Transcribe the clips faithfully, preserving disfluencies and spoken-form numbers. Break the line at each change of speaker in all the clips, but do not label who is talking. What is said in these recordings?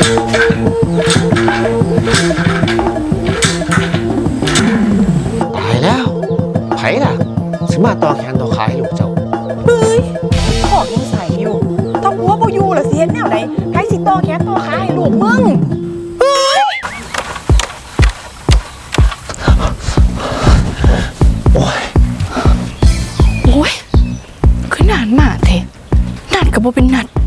ตายแล้วไผล่ะสิมาต่อแขนต่อขาให้ลูกเจ้า
เฮ้ยพ่อยังใส่อยู่ถ้าหัวบ่อยู่ล่ะสิเฮ็ดแนวใดไผสิต่อแขนต่อขาให้ลูกมึงเฮ้ย
โอ้ย
โอ้ยคือนานมากเทนัดกับบ่เป็นนัด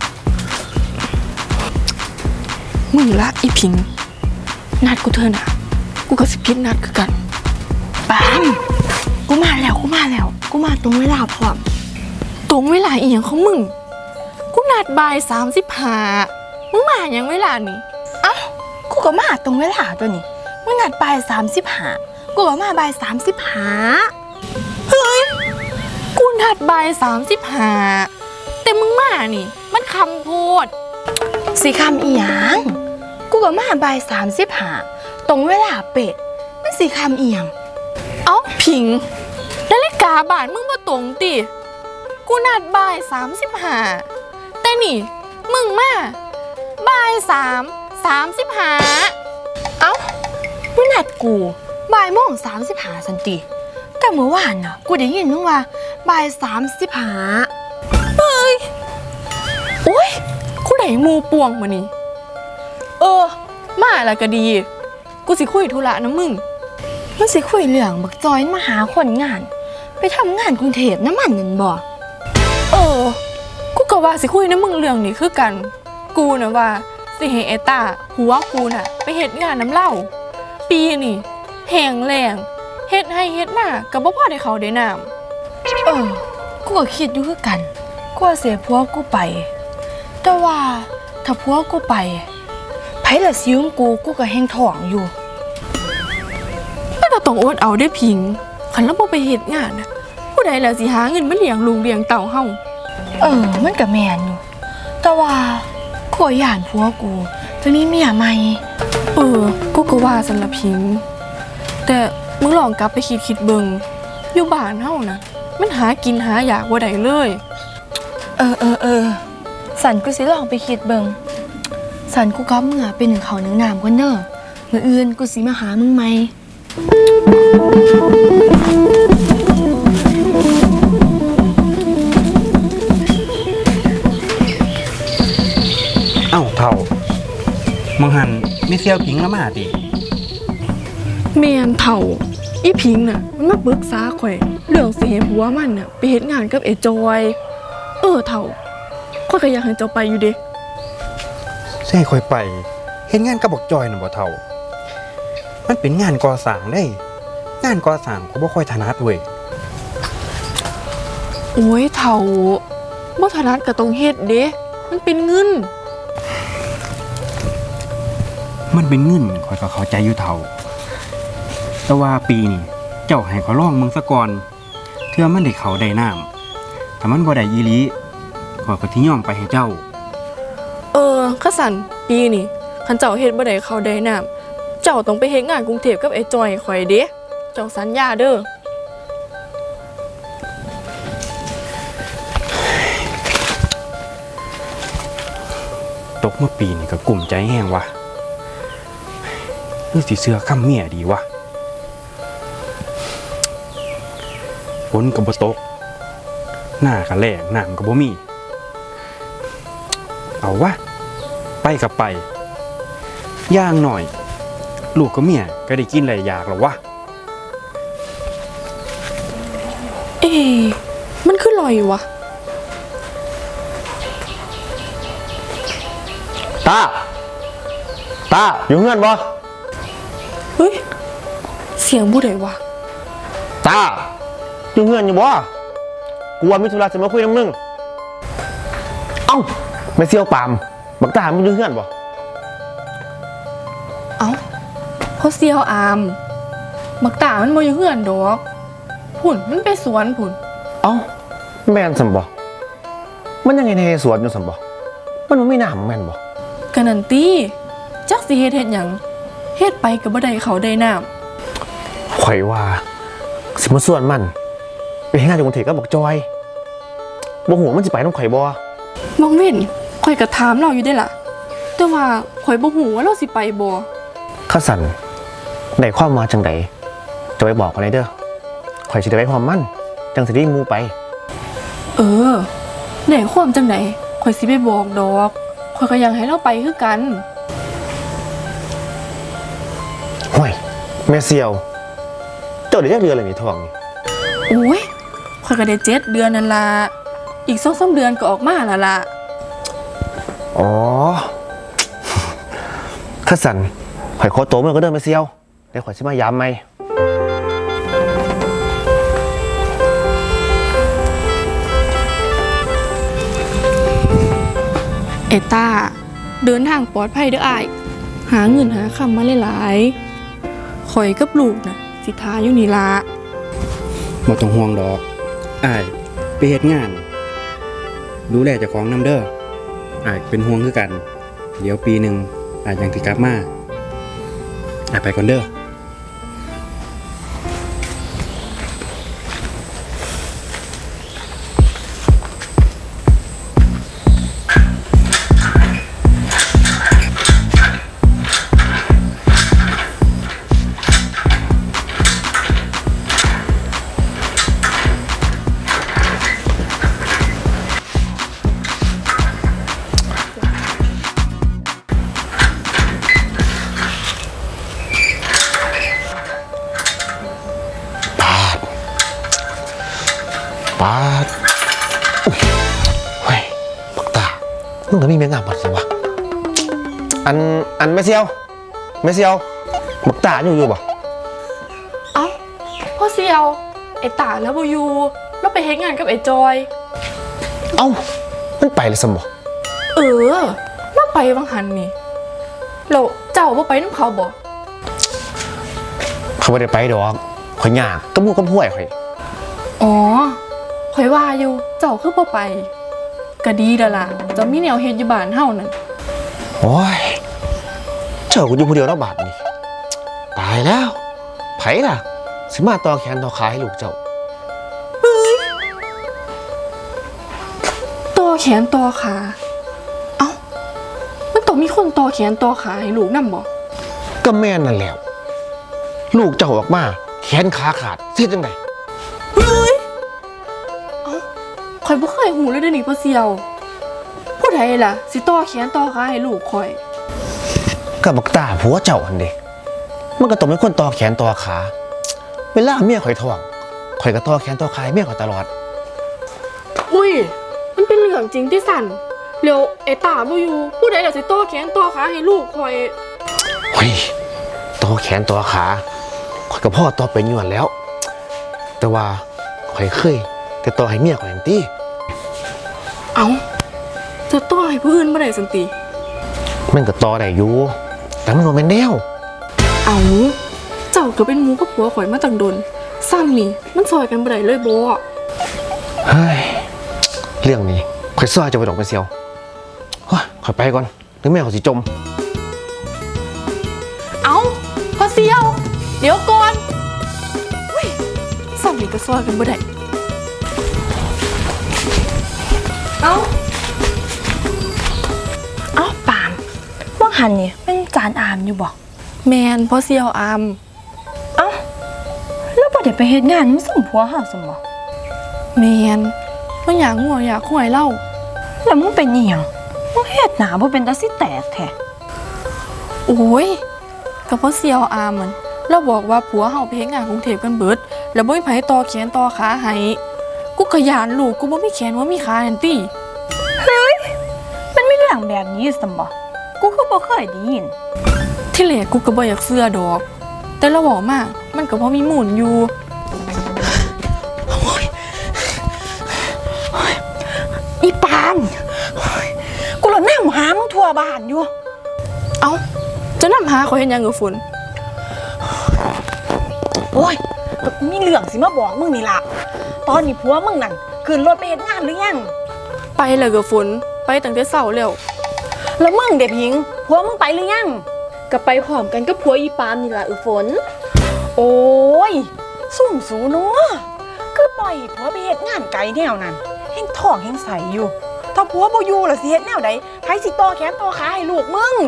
มึงละอีพิงนัดกูเธอน่ะกูก็สิพิษนัดคือกันปามกูมาแล้วกูมาแล้วกูมาตรงเวลาพร้อมตรงเวลาอีหยังของมึงกูนัดบ่ายสามสิบห้ามึงมาอย่างเวลานี่
เอ้ากูก็มาตรงเวลาตัวนี้มึงนัดบ่ายสามสิบห้ากูก็มาบ่ายสามสิบห้า
เฮ้ยกูนัดบ่ายสามสิบห้าแต่มึงมานี่มันคำพูด
สิคำอีหยังกูก็มาบ่ายสามสิบห้าตรงเวลาเป็ดมันสิคำอีหยัง
เอ้าพิงนาฬิกาบ้านมึงมาตรงติกูนัดบ่ายสามสิบห้าแต่นี่มึงมาบ่ายสามสามสิบห้า
เอ้ามึงนัดกูบ่ายโมงสามสิบห้าสันติแต่เมื่อวานน่ะกูได้ยินมึงว่าบ่ายสามสิบห้า
เฮ้ยโอ้ยกูได้มูป่วงมานี่เออมาแล้วก็ดีกูสิคุยธุระนะมึง
มันสิคุยเรื่องบักจอยมาหาคนงานไปทำงานกรุงเทพน้ำมันนั่นบ่
เออกูก็ว่าสิคุยนะมึงเรื่องนี้คือกันกูนะว่าสิให้ไอ้ตาหัวกูน่ะไปเฮ็ดงานน้ำเหล้าปีนี่แห้งแล้งเฮ็ดให้เฮ็ดหน้าก็บ่พอได้เขาได้น้
ำเออกูก็คิดอยู่คือกันกูเสียผัวกูไปแต่ว่าถ้าผัวกูไปไผละซิ้วกูกูก็แห้งท้องอยู่
แต่ก็ต้องอดเอาได้พิงคันเราบ่ไปเฮ็ดงานน่ะผู้ใดแล้วสิหาเงินมาเลี้ยงลูกเลี้ยงเต้าเฮา
เออมันก็แม่นอยู่แต่ว่ากูย่านผัวกูจะมีเมียใหม่
เออกูก็ว่าซั่นล่ะพิงแต่มึงลองกลับไปคิดๆเบิ่งอยู่บ้านเฮานะมันหากินหาอยากบ่ได้เลย
เออเออเออสันกูสิลองไปคิดเบิ่งสันกูก็เมื่อเป็นหนึ่งเขาหนึ่งน้ำกันเด้อมื้ออื่นกูสิมาหามึงใหม่
เอ้าเท่ามึงหันไม่เซี่ยวพิงแล้วมาติ
แม่นเท่าอีพิงน่ะมันมาปรึกษาข่อยเรื่องสิให้ผัวมันน่ะไปเฮ็ดงานกับไอ้จอยเออเท่าข่อยก็อยากให้เจ้าไปอยู่เด้
สิให้ข่อยไปเฮ็ดงานกับบักจอยน่ะบ่เท่ามันเป็นงานก่อสร้างได้งานก่อสร้างก็บ่ค่อยถนัดเว้ย
โอ้ยเท่าบ่ถนัดก็ต้องเฮ็ดเด้มันเป็นเงิน
มันเป็นเงินข่อยก็เข้าใจอยู่เท่าแต่ว่าปีนี้เจ้าให้เขาลองมึงซะก่อนเทื่อมันได้เขาได้น้ำถ้ามันบ่ได้อีหลีข่อยก็สิยอมไปให้เจ้า
เออคันสั่นปีนี้คันเจ้าเฮ็ดบ่ได้เขาได้น้ำเจ้าต้องไปเฮ็ดงานกรุงเทพกับไอ้จอยข่อยเด้เจ้าสัญญาเด้อ
ตกเมื่อปีนี้ก็กลุ้มใจแห้งว่ะหรือสิเสื้อค่ำเมียดีวะฝนก็บ่ตกหน้าก็แล้งน้ำก็บ่มีเอาวะไปกับไปย่างหน่อยลูกกับเมียก็ได้กินหลายอย่างแล้ววะ
เอ๊ะมันคือลอยวะ
ตาตาอยู่เงื่อนบ่
เฮ้ยเสียงผู้ใดวะ
ตาอยู่เงื่อนอยู่บ่กูว่ามีธุระจะมาคุยกับมึงเอ้าไม่เซี่ยวปามบักตามึงอยู่เงื่อนบ่
เอ้าเขาเซียวอามบักตามันบ่อยู่เฮือนดอกพุ่นมันไปสวนพุ่น
เอ้าแม่นซั่นบ่มันยังไงในสวนอยู่ซั่นบ่มันบ่มีน้ำแม่นบ่
ก็นั่นติจักสิเฮ็ดเฮ็ดหยังเฮ็ดไปก็บ่ได้เขาได้น้ำ
ข่อยว่าสิมาส่วนมันไปเฮ็ดงานอยู่กรุงเทพกับบักจอยบ่ฮู้ว่ามันสิไปนำข่อยบ่
มองเว้นข่อยก็ถามเราอยู่ได้ล่ะแแต่ว่าข่อยบ่ฮู้ว่าเราสิไปบ่
ข้าสันได้ความมาจังใดจะไปบอกกันเลยเด้อข่อยสิได้ไปพร้อมมันจังสิได้หมู่ไป
เออได้ความจังไดข่อยสิไปบอกดอกข่อยก็อยากให้เราไปคือกัน
ห่วยแม่เซียว เจ้าได้จักเดือนเลยนี่ท้องนี่
โอ้ยข่อยก็ได้เจ็ดเดือนนั่นล่ะอีกสองสามเดือนก็ออกมาแล้วล่ะ
อ๋อ ข้าสันข่อยขอตัวมันก็เดินแม่เซียวเดี๋ยวข่อยสิมายามใหม่
เอต้าเดินทางปลอดภัยเด้ออ้ายหาเงินหาคำมาหลายๆข่อยกับลูกน่ะสิทาอยู่นี่ล่ะ
บ่ต้องห่วงดอกอ้ายไปเฮ็ดงาน ดูแลเจ้าของนำเด้ออ้ายเป็นห่วงคือกัน เดี๋ยวปีหนึงอ้ายยังสิกลับมาอ้ายไปก่อนเด้อ
ปาดอุ๊ยเฮ้ยปักตามึงก็มีแมงงามบัดสิวะอันอันแม่เซียวแม่เซียวปักตาอยู่อยู่บ่
เอ้าพ่อเซียวไอ้ตาแล้วบ่อยู่เราไปเฮ็ดงานกับไอ้จอย
เอ้ามันไปเลยสมบ่
เออเราไปวังหันนี่แล้วเจ้าบ่ไปนำเขาบ่
เขาไม่ได้ไปดอกข่อยยากกับหมู่กับพวยข่อย
อ๋อข่อยว่าอยู่เจ้าคือบ่ไปก็ดีแล้วล่ะเจะมีแนวเฮ็ดอยู่บ้านเฮานั่น
โอ้ยเจ้ากูอยู่คนเดียวแล้วบาดนี่ตายแล้วไผล่ะสิมาต่อแขนต่อขาให้ลูกเจ้า
ต่อแขนต่อขาเอ้ามันต้องมีคนต่อแขนต่อขาให้ลูกนำบ่
ก็แม่นนั่นแหล้วลูกเจ้าออกมาแขนขาขาดเสียจังได
ข่อยบ่เคยหูเลยเด้อนี่พ่อเซียวผู้ใดล่ะสิต่อแขนต่อขาให้ลูกข่อย
กับบักตาผัวเจ้าหันเด้มันก็ต้องเป็นคนต่อแขนต่อขาเวลาเมียข่อยท้องข่อยก็ต่อแขนต่อขาให้เมียข่อยตลอด
อุ้ยมันเป็นเรื่องจริงที่สั่นเร็วไอ้ตาบ่อยู่ผู้ใดล่ะสิต่อแขนต่อขาให้ลูกข่อย
เฮ้ยต่อแขนต่อขาข่อยกับพ่อต่อเป็นอยู่หั่นแล้ว แต่ว่าข่อยเคยแต่ต่อให้เมียข่อยนั่นติ
เอ้าจะต่อให้ผู้อื่นบ่ได้สันติ
มันก็ต่อได้อยู่แต่มันบ่แม่นแนว
เอ้าเจ้าก็เป็นหมู่กับผัวข่อยมาตั้งดนซ้ำนี่มันซอยกันบ่ได้เลยบ่
เฮ้ยเรื่องนี้ข่อยซ้อยจะไปดอกไปเซียวเฮ้ยข่อยไปก่อนเดี๋ยวแม่ข่อยสิจม
เอ้าพ่อเซียว เดี๋ยวก่อนอุ้ยซ้ำนี่ก็ซอยกันบ่ได้เอ้า
เอ้าปามว่าหันนี่เป็นจานอามอยู่บ่
แมนพ่อเซียวอาม
เอ้าแล้วบ่ได้ไปเฮ็ดงานมันสุ่มผัวเฮาซั่นบ่
แมนมันอยากงัวอยากหวยเล่า
แล้วมึงเป็นอีหยังมึงเฮ็ดหน้าบ่เป็นตาสิแตกแท้
โอ้ยกับพ่อเซียวอามมันเราบอกว่าผัวเฮาไปเฮ็ดงานกรุงเทพกันเบิด แล้วบ่มีไผต่อแขนต่อขาให้กูก็ยานลูกกูบ่มีแขนบ่มีขานั่นติ
มันมีเรื่องแบบนี้ซั่นบ่กูคือบ่เคยได้ยิน
ที่แรกกูก็บ่อยากเชื่อดอก แต่เราบอกมามันก็พอมีมูลอยู่
อีปานกูละแนมหามึงทั่วบ้านอยู่
เอ้าจะนำหาข่อยเฮ็ดหยังกับฝน
โอ้ยก็กูมีเรื่องสิมาบอกมึงนี่ล่ะ ตอนนี้ผัวมึงนั่นขึ้นรถไปเฮ็ดงานหรือยัง
ไปแล้วกับฝนไปตั้งแต่เช้าแล้ว
แล้วมึงเด็พิงผัวมึงไปหรือยัง
ก็ไปพร้อมกันกับผัวอีปามนี่ล่ะเออฝน
โอ้ยสุ่มสูเนาะคือปล่อยให้ผัวไปเฮ็ดงานไกลแนวนั้นแห่งท้องแห่งใสอยู่
ถ้าผัวบ่อยู่ล่ะสิเฮ็ดแนวใดไผสิต่อแขนต่อขาให้ลูกมึง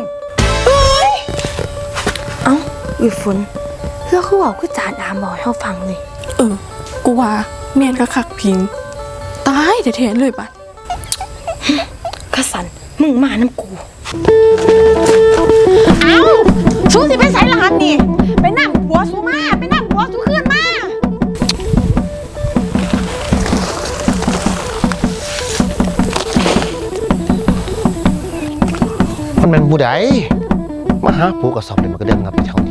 เอ้าอีฝนแล้วคือเว่าคือจานอามบอกให้เฮาฟังเลย
เออ กูว่าแม่นคักๆพิง ตายแท้ๆเลยบัด
กะสันมึงมาน้ำกู
เอ้าสู้สิไปไสล่ะหันนี่ไปนำผัวสู้มาไปนำผัวสู้คืนมา
มันเป็นผู้ใดมาหาผู้กระสอบเลยมันก็เดินงับไปเท่านี้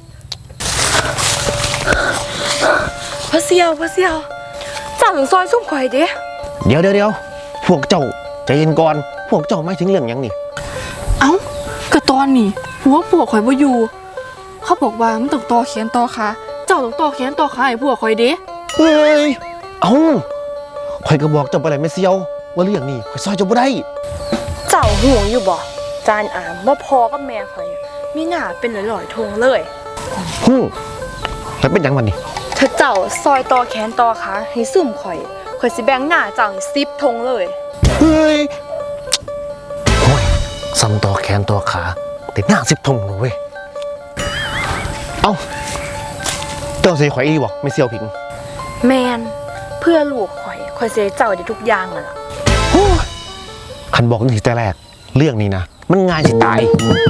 พ่อเสี่ยวพ่อเสี่ยวเจ้าถึงซอยซุ่มข่อยเด้
เดี๋ยวเดี๋ยวเดี๋ยวพวกเจ้าใจเย็นก่อนพวกเจ้าไม่ถึงเรื่องหยังนี่
เอ้าก็ตอนนี้ผัวผัวข่อยบ่อยู่ เขาบอกว่ามันต้องต่อแขนต่อขาเจ้าต้องต่อแขนต่อขาให้ผัวข่อยเด้
เฮ้ยเอ้าข่อยก็บอกเจ้าไปเลยไม่เซียวว่าเรื่องนี้ข่อยซอยเจ้าบ่ได้
เจ้าห่วงอยู่บ่จานอามว่าพอกับแม่ข่อยมีหน้าเป็นหลอยๆทงเลย
ฮึ่มแล้วเป็นหยังมันนี่
ถ้าเจ้าซอยต่อแขนต่อขาให้ซุ่มข่อยข่อยสิแบ่งหน้าเจ้าให้สิบทงเลย
เฮ้ยโอ้ยซ้ำต่อแขนต่อขาติดหน้าสิบทงเลยเว้ยเอ้าเจ้าเสียข่อยอีบอกไม่เซียวผิง
แมนเพื่อลูกข่อยข่อยสิให้เจ้าได้ทุกอย่างนั่นล่ะ
โอ้ยคันบอกตั้งแต่แรกเรื่องนี้นะมันง่ายสิตาย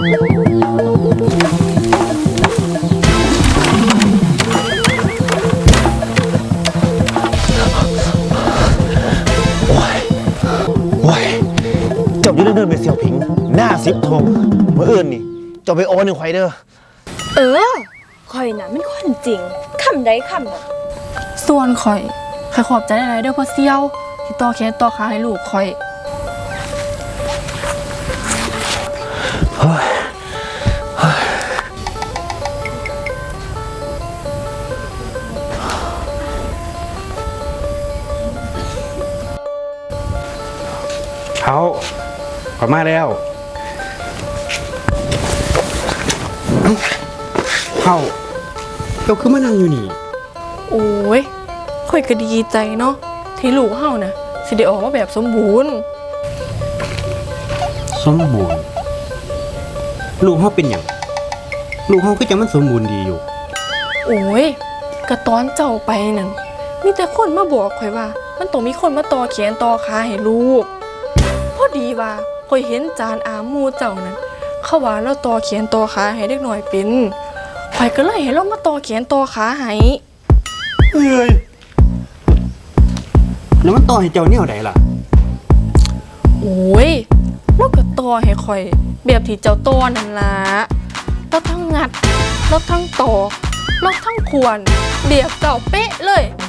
โอ้ยโอ้ยเจ้าอยู่เรื่องเดินไปเสี่ยวผิง หน้าสิบทงเมื่ออื่นนี่เจ้าไปโอนหนึ่งไฟเด้อ
เออข่อยน่ะมันคนจริงคำใดคำนั้น
ส่วนข่อยข่อยขอบใจหลายๆเด้อพ่อเซียวที่ต่อแขนต่อขาให้ลูกข่อย
เฮ้ยเฮ้ย
เขาขอมาแล้วเขาเจ้าคือมานั่งอยู่นี่
โอ้ยข่อยก็ดีใจเนาะที่ลูกเฮานะสิได้ออกมาแบบสมบูรณ์
สมบูรณ์ลูกเขาเป็นอย่างลูกเขาก็จะมันสมบูรณ์ดีอยู่
โอ้ยก็ตอนเจ้าไปนั่นมีแต่คนมาบอกข่อยว่า มันต้องมีคนมาต่อแขนต่อขาให้ลูกพอดีว่าข่อยเห็นจานอาหมูเจ้านั้นเขาว่าเราต่อแขนต่อขาให้เด็กหน่อยเป็นข่อยก็เลยให้เรามาต่อแขนต่อขาให้
เอ้ยแล้วมันต่อให้เจ้าเนี่ยไหนล่ะ
โอ้ยเราก็ต่อให้ข่อยแบบที่เจ้าต่อนั่นล่ะเราทั้งงัดเราทั้งต่อเราทั้งควรเบียบเจ้าเป๊ะเลย